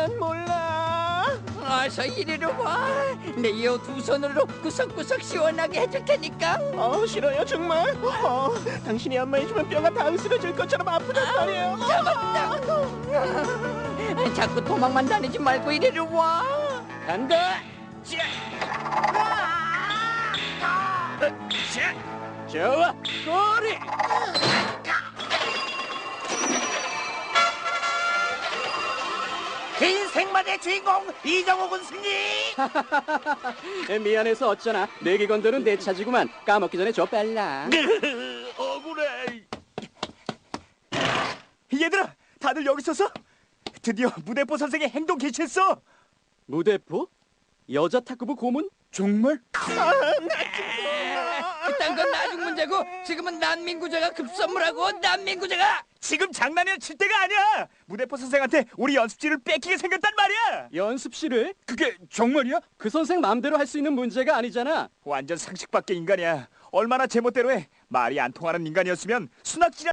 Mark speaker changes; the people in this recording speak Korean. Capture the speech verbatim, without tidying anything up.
Speaker 1: 난 몰라.
Speaker 2: 어서 이리로 와. 내 이 두 손으로 구석구석 시원하게 해줄 테니까.
Speaker 1: 어, 싫어요 정말. 어, 당신이 안마해주면 뼈가 다 으스러질 것처럼 아프단 말이에요.
Speaker 2: 잡았다. 자꾸 도망만 다니지 말고 이리로 와.
Speaker 1: 간다. 좋아, 꼬리.
Speaker 3: 긴 생만의 주인공 이정호 군수님.
Speaker 1: 미안해서 어쩌나. 내기건들은 내 차지구만. 까먹기 전에 줘 빨라.
Speaker 3: 억울해. 얘들아, 다들 여기 있었어? 드디어 무대포 선생의 행동 개최했어.
Speaker 1: 무대포? 여자 탁구부 고문?
Speaker 3: 정말?
Speaker 2: 그딴 건 나중 문제고 지금은 난민구제가 급선무라고. 난민구제가.
Speaker 3: 지금 장난이나 칠 때가 아니야. 무대포 선생한테 우리 연습실을 뺏기게 생겼단 말이야.
Speaker 1: 연습실을?
Speaker 3: 그게 정말이야?
Speaker 1: 그 선생 마음대로 할 수 있는 문제가 아니잖아.
Speaker 3: 완전 상식 밖의 인간이야. 얼마나 제멋대로 해. 말이 안 통하는 인간이었으면 수납질